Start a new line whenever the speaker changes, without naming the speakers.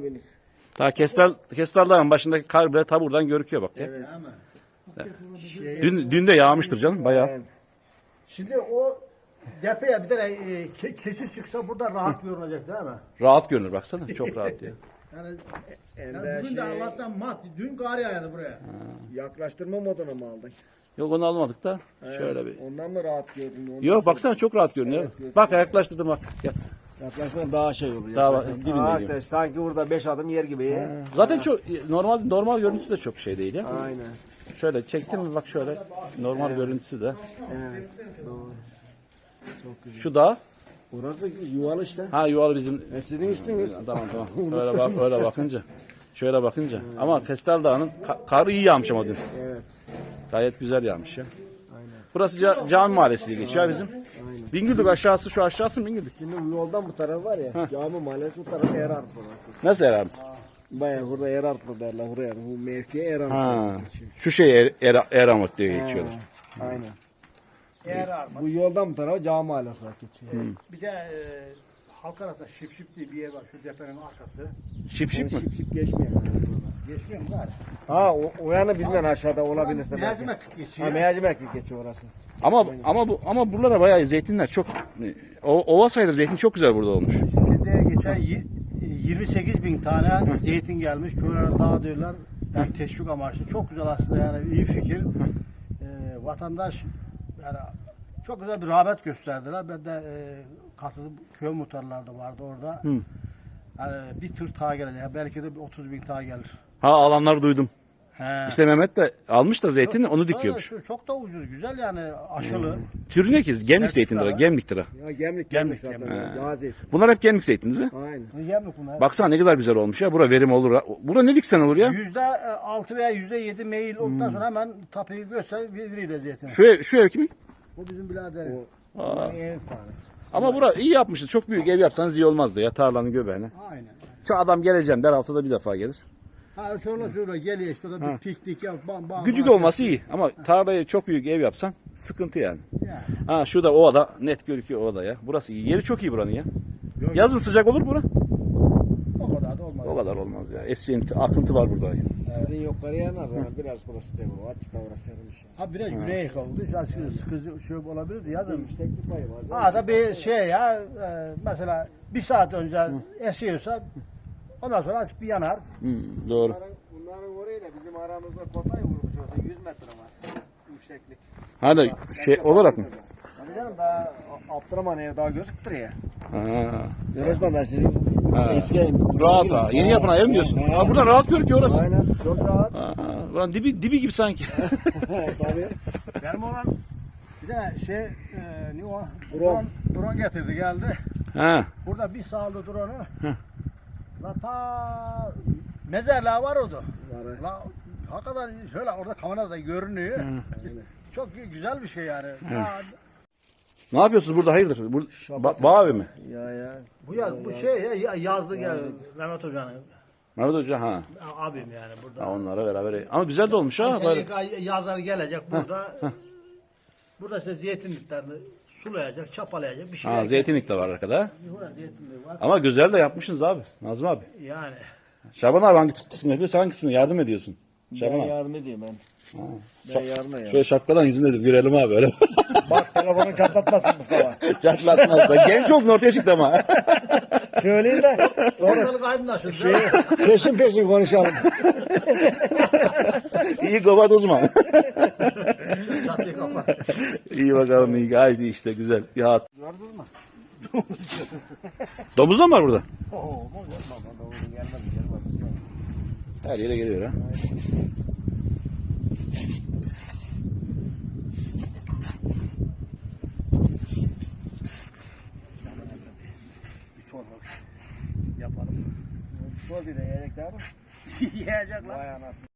olabilir.
Ta Kestarların başındaki kar bile ta buradan görüküyor bak.
Evet.
Dün de yağmıştır canım bayağı.
Evet.
Şimdi o tepeye bir tane keçi çıksa burada rahat görünecek değil mi?
Rahat görünür baksana. Çok rahat ya.
Yani,
Ender
bugün de Allah'tan mat. Dün kar yağdı buraya.
yaklaştırma moduna mı aldın?
Yok onu almadık da. Şöyle bir.
Ondan mı rahat gördün? Ondan
Yok baksana çok rahat görünüyor.
Evet,
Bak yaklaştırdım bak. Gel.
yaklaşma daha şey oluyor.
Daha
Yaklaşma.
dibinde
Aa,
gibi.
sanki burada 5 adım yer gibi.
Zaten çok normal görüntüsü de çok şey değil ya.
Aynen.
Şöyle çektim mi bak şöyle normal görüntüsü de.
Evet. Doğru. Çok güzel.
Şu da
Burası yuvalı işte.
ha yuvalı bizim.
Sizin üstünüz.
Tamam. Öyle bakınca. Şöyle bakınca. Ama Kestel Dağı'nın karı iyi yağmış ama dün.
Evet.
Gayet güzel yağmış ya.
Aynen.
Burası Cami Mahallesi diye geçiyor bizim.
Aynen.
Bingöldük aşağısı şu aşağısı mı Bingöldük?
Şimdi bu yoldan bu taraf var ya. Cami mahallesi bu tarafı Erarplı.
Nasıl herhalde?
Baya burada Erarplı derler buraya. Bu mevkiye Erarplı.
Ha. Şu şey Eramot diye geçiyorlar.
Aynen.
Eğer arma.
Bu yoldan bu tarafa Cami mahallesi olarak geçiyor.
Bir de halk arasında şip diye bir yer var şu tepenin arkası.
Şip mi?
Şip şip geçmiyor.
Geçmiyor mu gari?
Ha o yanı bilmem aşağıda olabilirse belki.
Mercimek
Ha
geçiyor.
mercimek geçiyor orası.
Ama buralara bayağı zeytinler çok ova sayılır zeytin çok güzel burada olmuş.
Şimdi geçen 28 bin tane zeytin gelmiş. Köylere dağıtıyorlar. Yani teşvik amaçlı. Çok güzel aslında yani iyi fikir. Vatandaş yani çok güzel bir rağbet gösterdiler. Ben de katıldım. Köy muhtarları da vardı orada.
Hı.
Yani bir tır daha gelecek. Belki de bir 30 bin daha gelir.
Ha alanları duydum.
He.
İşte Mehmet de almış da zeytini onu dikiyormuş.
Çok da ucuz. Güzel yani aşılı.
Türü ne ki? Gemlik zeytindir.
ha.
Gemliktir ha.
Ya gemlik
Gemlik,
zaten.
gemlik.
Gazi.
Bunlar hep gemlik zeytin değil mi?
Aynen.
Yemlik bunlar.
Baksana ne kadar güzel olmuş ya. Bura verim olur. Bura ne diksen olur ya.
%6 veya %7 meyil olduktan sonra hemen tapuyu göster veriyle zeytin.
Şu ev kimin?
Bu bizim biraderin.
O en fare.
Ama bura iyi yapmışsınız. Çok büyük ev yapsanız iyi olmazdı ya tarlanın göbeğine.
Aynen.
Şu adam geleceğim der haftada bir defa gelir.
Ha sonra geliyor işte o da bir piknik yap bam.
Küçük olması iyi ama tarlayı çok büyük ev yapsan sıkıntı yani.
Yani.
Ha şurada ovada net görüküyor ovada ya. Burası iyi. Yeri çok iyi buranın ya. Yazın sıcak olur bura.
O kadar da olmaz.
O kadar olmaz ya. Esinti, akıntı var burada.
Sizin yukarı yanar ama biraz burası değil bu. Açıkta orası erimiş.
Ha biraz güney kaldı. Sıkıcı şey olabilirdi yazın.
Yükseklik payı var.
Ha da bir şey ya mesela bir saat önce esiyorsa ondan sonra açıp bir yanar.
Doğru.
Bunların orayla bizim aramızda kotay vurmuş olsa 100 metre var. Yükseklik.
Hadi şey olarak mı?
Tabii canım daha Abdurrahman ev daha gözüktür ya.
Ha.
Görüyorsun ben sizin
Ha.
eski
Rahat ha. Yeni yapılan ev mi diyorsun? Ha, buradan rahat görünüyor orası.
Aynen çok rahat.
Ha, buranın dibi gibi sanki.
Tabii.
Benim olan bir de şey ne o?
Drone.
Drone getirdi geldi.
Ha.
Burada bir sağladı drone'u. La ta mezarlığa var orada.
Var.
La hakikaten şöyle orada kamerada görünüyor. Çok güzel bir şey yani.
Ne yapıyorsunuz burada hayırdır? Bağ evi mi?
Ya.
Bu şey ya yazdı gel Mehmet Hoca'nın
Mehmet Hoca ha.
abim yani burada.
Ha onlara beraber. Ama güzel de olmuş ha. Böyle.
Yazar gelecek burada. Burada işte zeytinliklerini sulayacak, çapalayacak bir şey.
Ha zeytinlik de var arkada.
Burada zeytinlik var.
Ama güzel de yapmışsınız abi. Nazım abi.
Yani.
Şaban abi hangi kısmını yapıyor? Sen hangi kısmını yardım ediyorsun? Şaban
Ben
abi.
yardım ediyorum ben. Ben yardım ediyorum.
Şöyle şapkadan yüzünde de görelim abi öyle.
Bak telefonu çatlatmasın Mustafa.
Çatlatmaz. Genç çok ortaya çıktı ama.
Söyleyeyim de sonra
Ortalık aydınlaşır.
peşin konuşalım.
İyi kapat o zaman.
Çatıyı kapat.
İyi bakalım iyi. Haydi işte güzel. Rahat.
Gördün mü?
Domuz da mı var burada?
Oo,
Gelmez.
Her yere geliyor ha.
bir çorba yapalım.
Sor bir de yiyecekler mi?
Yiyecekler.
Vay anasını.